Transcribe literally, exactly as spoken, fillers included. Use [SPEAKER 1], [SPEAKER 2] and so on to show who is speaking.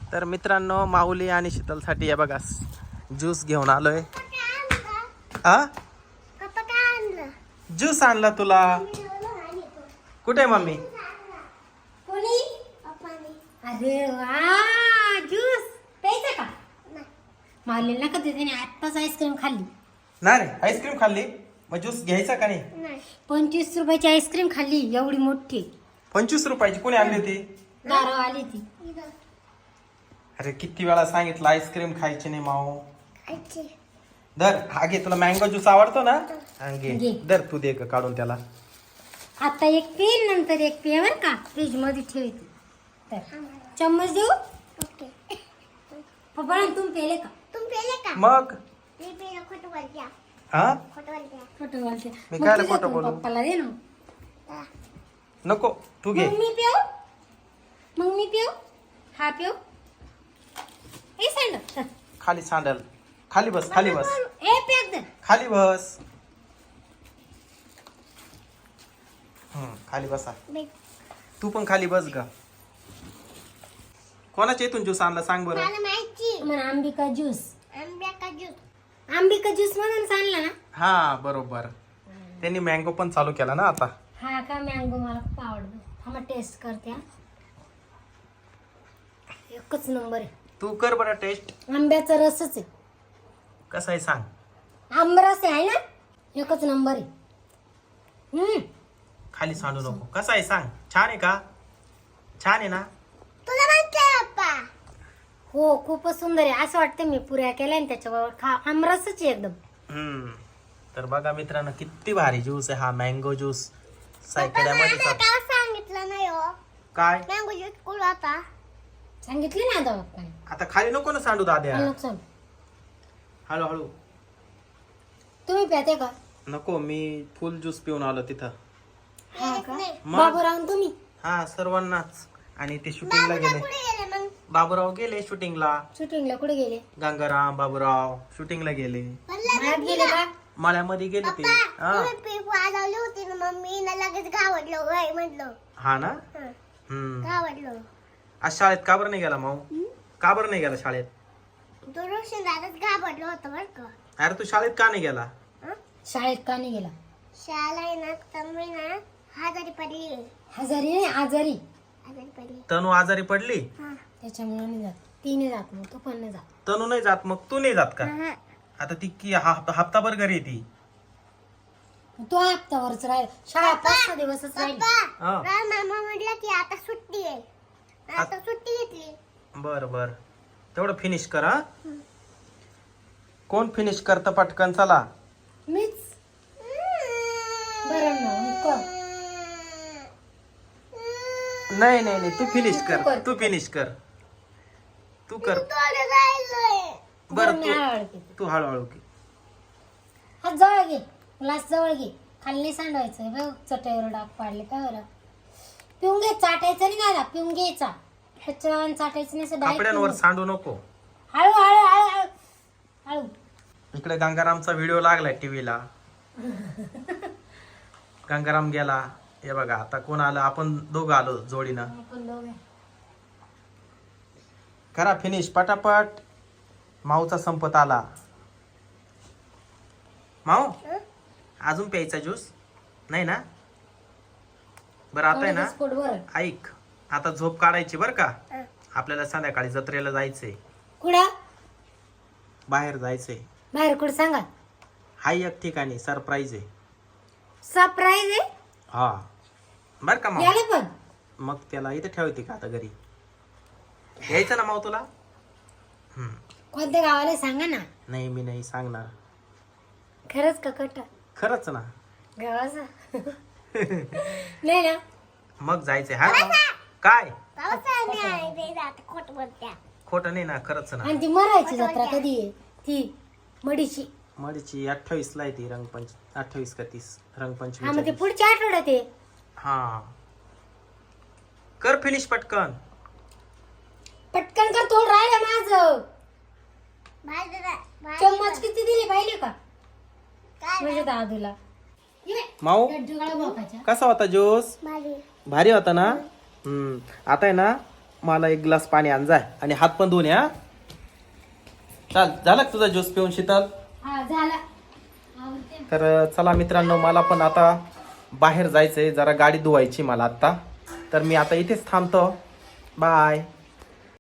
[SPEAKER 1] तर मित्रांनो माऊली आणि शीतलसाठी हे बघा ज्यूस घेऊन आलोय. हा ज्यूस आणला तुला. कुठे मम्मी?
[SPEAKER 2] अरे वा ज्यूस प्यायचा का? माऊलीला का त्याने आत्ताच आईस्क्रीम खाल्ली.
[SPEAKER 1] नाही रे आईस्क्रीम खाल्ली मग ज्यूस घ्यायचा का नाही?
[SPEAKER 2] पंचवीस रुपयाची आईस्क्रीम खाल्ली एवढी मोठी.
[SPEAKER 1] पंचवीस रुपयाची कोणी आणली होती?
[SPEAKER 2] दारू आली ती.
[SPEAKER 1] अरे किती वेळा सांगितलं आईस्क्रीम खायची नाही माऊ. धर हा घे, तुला मँगो ज्यूस आवडतो ना? हा घे
[SPEAKER 2] घे.
[SPEAKER 1] धर तू दे ग काढून त्याला.
[SPEAKER 2] आता एक पेन नंतर एक पे बर का फ्रीज मध्ये ठेवते. तर चम्मच देऊ पप्पा तुम्ही पेले का?
[SPEAKER 1] मग हा
[SPEAKER 2] खोटं बोलते.
[SPEAKER 1] मी
[SPEAKER 2] मग
[SPEAKER 1] कायला
[SPEAKER 2] तुझ्या
[SPEAKER 1] खोटं
[SPEAKER 2] तू
[SPEAKER 1] बोलू?
[SPEAKER 2] पप्पाला दे ना.
[SPEAKER 1] नको तू घे.
[SPEAKER 2] मग मी पिऊ मग मी पिऊ हा पिऊ. ए सांड
[SPEAKER 1] खाली सांडल. खाली बस खाली बस
[SPEAKER 2] ए पॅक दे.
[SPEAKER 1] खाली बस. हम्म खाली बसा. तू पण खाली बस ग. कोणाच्या इथून ज्यूस आणला सांग बरं?
[SPEAKER 2] मला आंबिका ज्यूस आंबिका ज्यूस म्हणून आणला ना.
[SPEAKER 1] हा बरोबर. त्यांनी मँगो पण चालू केला ना आता.
[SPEAKER 2] हा का मँगो मला खूप आवडतो. थांबा टेस्ट करते. हा. एकच नंबर आहे.
[SPEAKER 1] तू कर बरं टेस्ट.
[SPEAKER 2] आंब्याचा रसच आहे.
[SPEAKER 1] कसा आहे सांग.
[SPEAKER 2] आंबरस आहे ना एकच नंबर आहे. हम्म
[SPEAKER 1] खाली सांडू नको. कसा आहे सांग. छान आहे का? छान आहे ना?
[SPEAKER 2] हो खूपच सुंदर आहे. असं वाटतं मी पुऱ्या केल्या आणि त्याच्याबरोबर खा. आमरसच आहे एकदम.
[SPEAKER 1] हम्म तर बघा मित्रांनो किती भारी ज्यूस आहे हा मँगो ज्यूस. सायकड्यामध्ये
[SPEAKER 3] सांगितलं नाही हो.
[SPEAKER 1] काय
[SPEAKER 3] मँगो ज्यूस कुठं आता?
[SPEAKER 2] सांगितले ना आता बाप्पाने.
[SPEAKER 1] आता खाली नको ना सांडू दाद्या.
[SPEAKER 2] हळू चल.
[SPEAKER 1] हळूहळू.
[SPEAKER 2] तुम्ही प्याते का?
[SPEAKER 1] नको मी फुल ज्यूस पिऊन आलो तिथं.
[SPEAKER 2] हा का
[SPEAKER 1] मग?
[SPEAKER 2] बाबूराव तुम्ही
[SPEAKER 1] हा सर्वांनाच. आणि ते शूटिंगला गेले.
[SPEAKER 3] कुठे गेले मग?
[SPEAKER 1] बाबूराव गेले शूटिंगला.
[SPEAKER 2] शूटिंगला कुठे गेले?
[SPEAKER 1] गंगाराम बाबूराव शूटिंगला गेले.
[SPEAKER 2] मळ्यात गेले का?
[SPEAKER 1] मळ्यामध्ये गेले ते. हा
[SPEAKER 3] तुम्ही पीप वाजवली होती ना मम्मी ना लगेच घावडलो वय म्हटलं.
[SPEAKER 1] हा ना.
[SPEAKER 3] हं,
[SPEAKER 1] हम्म
[SPEAKER 3] घावडलो.
[SPEAKER 1] आज शाळेत का बरं नाही गेला माऊ? का बरं नाही गेला शाळेत?
[SPEAKER 3] तो रोशन दादाच घाबरलो होतं बरं का.
[SPEAKER 1] अरे तू शाळेत का नाही गेला?
[SPEAKER 3] हं?
[SPEAKER 2] शाळेत का नाही गेला?
[SPEAKER 3] शाळा आहे ना तन्वी ना आजारी पडली.
[SPEAKER 2] आजारी नाही आजारी.
[SPEAKER 3] आजारी पडली.
[SPEAKER 1] तनू आजारी पडली.
[SPEAKER 3] हा.
[SPEAKER 2] त्याच्यामुळे नाही जात. ती नाही जात मग तो पण नाही जात.
[SPEAKER 1] तनू नाही जात मग तू नाही जात का?
[SPEAKER 3] हा.
[SPEAKER 1] आता ती की हप्ता हप्ताभर घरी येते.
[SPEAKER 2] तो हप्तावरच राहील. शाळा पाच सहा दिवसच राहील.
[SPEAKER 3] पप्पा
[SPEAKER 1] हा.
[SPEAKER 3] राम मामा म्हटलं की आता सुट्टी आहे. आता सुट्टी घेतली.
[SPEAKER 1] बर बर तेवढं फिनिश कर. हा कोण फिनिश करतं पटकन चला.
[SPEAKER 2] मीच बरं ना मग कर.
[SPEAKER 1] नाही नाही नाही तू फिनिश
[SPEAKER 2] तू
[SPEAKER 1] कर.
[SPEAKER 2] कर.
[SPEAKER 1] तू फिनिश कर. तू कर.
[SPEAKER 3] थोडं राहिलंय.
[SPEAKER 1] बर
[SPEAKER 2] मी
[SPEAKER 1] तू
[SPEAKER 2] हळूहळू घेते.
[SPEAKER 1] तू हळूहळू की.
[SPEAKER 2] हा जवळ घे. ग्लास जवळ घे. खाली नाही सांडवायचं. बघ चटईवर डाग पाडले काय बरं. पिऊन घे. चाटायचं नाही दादा. पिऊन घ्यायचा. त्याच्यावर चाटायचं नाही असं direct
[SPEAKER 1] कपड्यांवर
[SPEAKER 2] पिऊन घे.
[SPEAKER 1] सांडू नको.
[SPEAKER 2] हळू हळू हळू हळू हळू.
[SPEAKER 1] इकडे गंगारामचा व्हिडिओ लागलाय टीव्हीला. गंगाराम गेला. हे बघा आता कोण आलं? आपण दोघं आलो जोडीनं.
[SPEAKER 2] आपण दोघे.
[SPEAKER 1] करा फिनिश पटापट. माऊचा संपत आला. माऊ अजून प्यायचा ज्यूस नाही ना? बरं आता आहे ना
[SPEAKER 2] एवढंच पोट भरल.
[SPEAKER 1] ऐक आता झोप काढायची बर का. आपल्याला संध्याकाळी जत्रेला जायचंय.
[SPEAKER 2] कुठं?
[SPEAKER 1] बाहेर जायचंय.
[SPEAKER 2] बाहेर कुठं सांगा.
[SPEAKER 1] हाय एक ठिकाणी सरप्राईज आहे.
[SPEAKER 2] सरप्राईज आहे.
[SPEAKER 1] हा बर का माऊ.
[SPEAKER 2] याले पण
[SPEAKER 1] मग त्याला इथे ठेवते का आता घरी? यायचं ना माऊ तुला? हम्म
[SPEAKER 2] कोणत्या गावाला सांगा ना.
[SPEAKER 1] नाही मी नाही सांगणार.
[SPEAKER 2] खरंच का कट
[SPEAKER 1] खरंच ना.
[SPEAKER 2] गावाचा नाही ना.
[SPEAKER 1] मग जायचंय. हा माऊ. काय
[SPEAKER 3] पावसाने आहे ते जात खोट बोलत्या.
[SPEAKER 1] खोटं नाही ना खरंच ना.
[SPEAKER 2] आणि ती मरायची जत्रा कधी आहे? ती मडीची.
[SPEAKER 1] मडीची अठ्ठावीस ला येते रंगपंच अठ्ठावीस का तीस
[SPEAKER 2] हा मग ते
[SPEAKER 1] रंगपंचमी.
[SPEAKER 2] पुढच्या आठवड्यात आहे.
[SPEAKER 1] हा कर फिनिश पटकन.
[SPEAKER 2] पटकन कर. थोडं राहिलं माझं.
[SPEAKER 3] बाहेर
[SPEAKER 2] चम्मच किती दिले पाहिले का?
[SPEAKER 3] काय
[SPEAKER 2] म्हणजे दादूला
[SPEAKER 1] माऊ
[SPEAKER 2] लड्डू गोळा भोकाच्या.
[SPEAKER 1] कसा होता ज्यूस?
[SPEAKER 3] भारी.
[SPEAKER 1] भारी होता ना. हम्म आता आहे ना मला एक ग्लास पाणी आण जाय आणि हात पण धुवून या. चाल झाला का तुझा ज्यूस पिऊन शीतल?
[SPEAKER 2] हा झाला आवडते.
[SPEAKER 1] तर चला मित्रांनो, मला पण आता बाहेर जायचंय, जरा गाडी धुवायची मला आता. तर मी आता इथेच थांबतो. बाय.